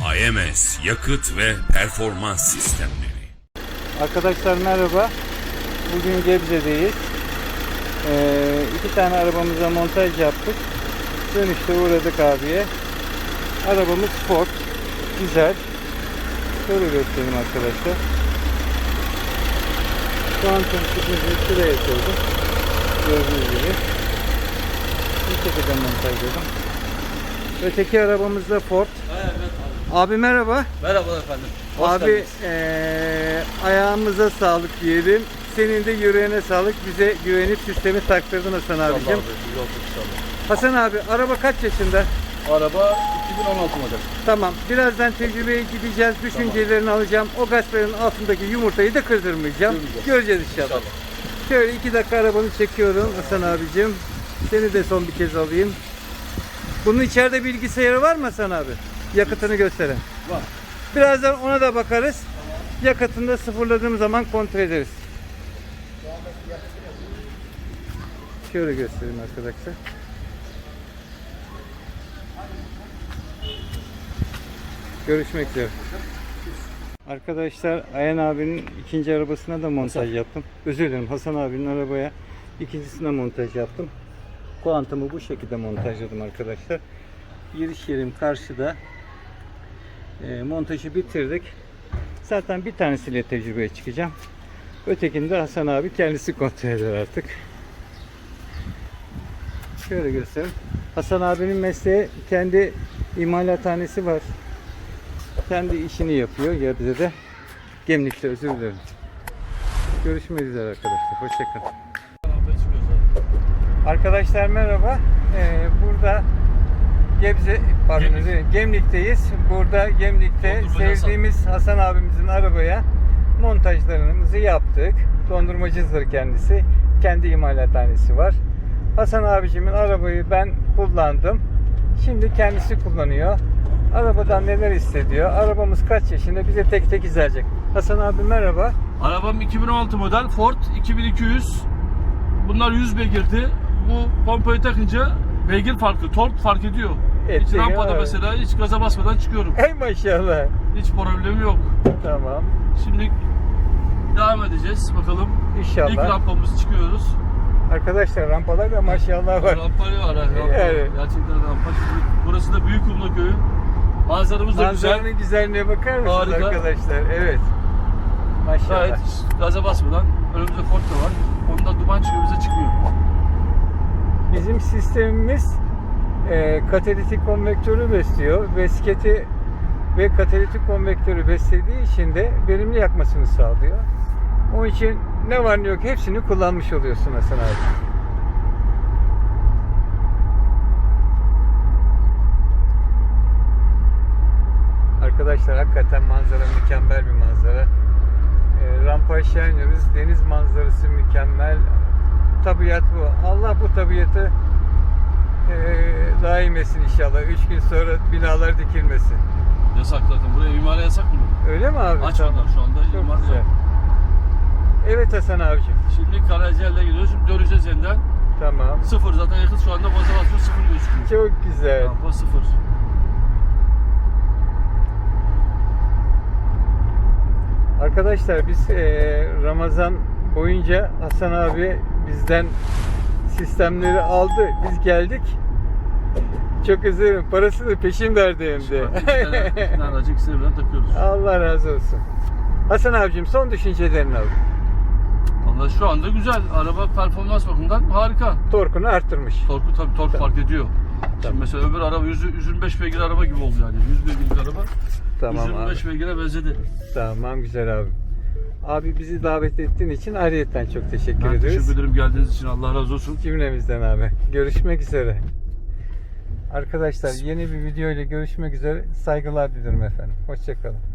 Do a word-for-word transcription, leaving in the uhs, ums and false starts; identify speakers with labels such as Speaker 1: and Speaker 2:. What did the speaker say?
Speaker 1: A M S yakıt ve performans sistemleri.
Speaker 2: Arkadaşlar merhaba. Bugün Gebze'deyiz. Ee, iki tane arabamıza montaj yaptık. Dönüşte uğradık abiye. Arabamız Ford. Güzel. Şöyle göstereyim arkadaşlar. Kuantum çıkmışı şuraya koydum. Gördüğünüz gibi. Bu şekilde montajladım. Öteki arabamız da Ford.
Speaker 3: Evet abi.
Speaker 2: Abi merhaba.
Speaker 3: Merhaba efendim. Hoş
Speaker 2: Abi
Speaker 3: geldiniz.
Speaker 2: eee, ayağımıza sağlık diyelim. Senin de yüreğine sağlık. Bize güvenip sistemi taktırdın Hasan
Speaker 3: İnşallah
Speaker 2: abicim.
Speaker 3: abi, yol tut inşallah.
Speaker 2: Hasan abi araba kaç yaşında?
Speaker 3: Araba iki bin on altı model.
Speaker 2: Tamam. Birazdan tecrübeye gideceğiz. Düşüncelerini alacağım. O gazların altındaki yumurtayı da kırdırmayacağım.
Speaker 3: Kırmayacağız.
Speaker 2: Göreceğiz inşallah.
Speaker 3: İnşallah.
Speaker 2: Şöyle iki dakika arabanı çekiyorum Hasan abicim. Seni de son bir kez alayım. Bunun içeride bilgisayarı var mı Hasan abi? Yakıtını gösteren.
Speaker 3: Var.
Speaker 2: Birazdan ona da bakarız. Yakıtını da sıfırladığım zaman kontrol ederiz. Şöyle göstereyim arkadaşlar. Görüşmek üzere. Arkadaşlar Ayhan abinin ikinci arabasına da montaj yaptım. Özür dilerim, Hasan abinin arabaya ikincisine montaj yaptım. Kuantumu bu şekilde montajladım arkadaşlar. Giriş yerim karşıda. E, montajı bitirdik. Zaten bir tanesiyle tecrübeye çıkacağım. Ötekini de Hasan abi kendisi kontrol eder artık. Şöyle göstereyim. Hasan abinin mesleği, kendi imalathanesi var. Kendi işini yapıyor Gebze'de. Gemlik'te, özür dilerim. Görüşmek üzere arkadaşlar. Hoşçakalın. Arkadaşlar merhaba. Ee, burada Gebze, pardon özür dilerim, Gemlik'teyiz. Burada Gemlik'te sevdiğimiz Hasan abimizin arabaya montajlarımızı yaptık. Dondurmacıdır kendisi. Kendi imalathanesi var. Hasan abicimin arabayı ben kullandım. Şimdi kendisi kullanıyor. Arabadan neler hissediyor? Arabamız kaç yaşında? Bize tek tek izleyecek. Hasan abi merhaba.
Speaker 3: Arabam iki bin on altı model Ford iki bin iki yüz. Bunlar yüz beygirdi. Bu pompayı takınca beygir farklı, tork fark ediyor.
Speaker 2: Evet,
Speaker 3: hiç rampada
Speaker 2: abi.
Speaker 3: mesela hiç gaza basmadan çıkıyorum.
Speaker 2: Ey maşallah.
Speaker 3: Hiç problemi yok.
Speaker 2: Tamam.
Speaker 3: Şimdi devam edeceğiz bakalım.
Speaker 2: İnşallah.
Speaker 3: İlk rampamız çıkıyoruz.
Speaker 2: Arkadaşlar rampalar da maşallah var.
Speaker 3: Rampa var. ha, Rampa.
Speaker 2: Evet.
Speaker 3: Gerçekten rampa. Burası da Büyükkumla köyü. Manzaramız da güzel.
Speaker 2: Manzaranın güzelliğine bakar mısınız
Speaker 3: Harika.
Speaker 2: arkadaşlar? Evet. Maşallah.
Speaker 3: Gayet gaza basmadan. Önümüzde Ford da var. Ondan duman çıkıyor, bize çıkmıyor.
Speaker 2: Bizim sistemimiz e, katalitik konvektörü besliyor. Besketi ve katalitik konvektörü beslediği için de verimli yakmasını sağlıyor. Onun için ne var ne yok hepsini kullanmış oluyorsun Hasan abi. Arkadaşlar hakikaten manzara mükemmel bir manzara. E, rampa aşağı iniyoruz. Deniz manzarası mükemmel. Tabiat bu. Allah bu tabiatı e, daim etsin inşallah. Üç gün sonra binalar dikilmesin.
Speaker 3: Yasak zaten. Buraya imara yasak mı?
Speaker 2: Öyle mi abi?
Speaker 3: Açmadılar şu anda.
Speaker 2: Çok
Speaker 3: imar
Speaker 2: güzel.
Speaker 3: yok.
Speaker 2: Evet Hasan abicim.
Speaker 3: Şimdi Karaciğer'le gidiyoruz. Şimdi döneceğiz yeniden.
Speaker 2: Tamam.
Speaker 3: Sıfır zaten yakıt şu anda baza basıyor. Sıfır gözüküyor.
Speaker 2: Çok güzel.
Speaker 3: Rampa sıfır.
Speaker 2: Arkadaşlar biz e, Ramazan boyunca Hasan abi bizden sistemleri aldı. Biz geldik. Çok üzülürüm. Parasını peşin verdi hem de.
Speaker 3: Bir tane aracı ikisini birden takıyoruz.
Speaker 2: Allah razı olsun. Hasan abicim son düşüncelerini al.
Speaker 3: Valla şu anda güzel. Araba performans bakımından harika.
Speaker 2: Torkunu arttırmış.
Speaker 3: Torku tabii tork
Speaker 2: Tamam.
Speaker 3: fark ediyor.
Speaker 2: Tamam.
Speaker 3: Şimdi mesela öbür araba yüz yirmi beş beygir araba gibi oldu yani. yüz beygirlik araba.
Speaker 2: Tamam
Speaker 3: yüz yirmi beş
Speaker 2: abi.
Speaker 3: beygire benzedi.
Speaker 2: Tamam güzel abi. Abi bizi davet ettiğin için ayrıyeten çok teşekkür
Speaker 3: Ben
Speaker 2: ederiz.
Speaker 3: teşekkür ederim geldiğiniz için. Allah razı olsun.
Speaker 2: Cümlemizden abi. Görüşmek üzere. Arkadaşlar yeni bir video ile görüşmek üzere. Saygılar diliyorum efendim. Hoşça kalın.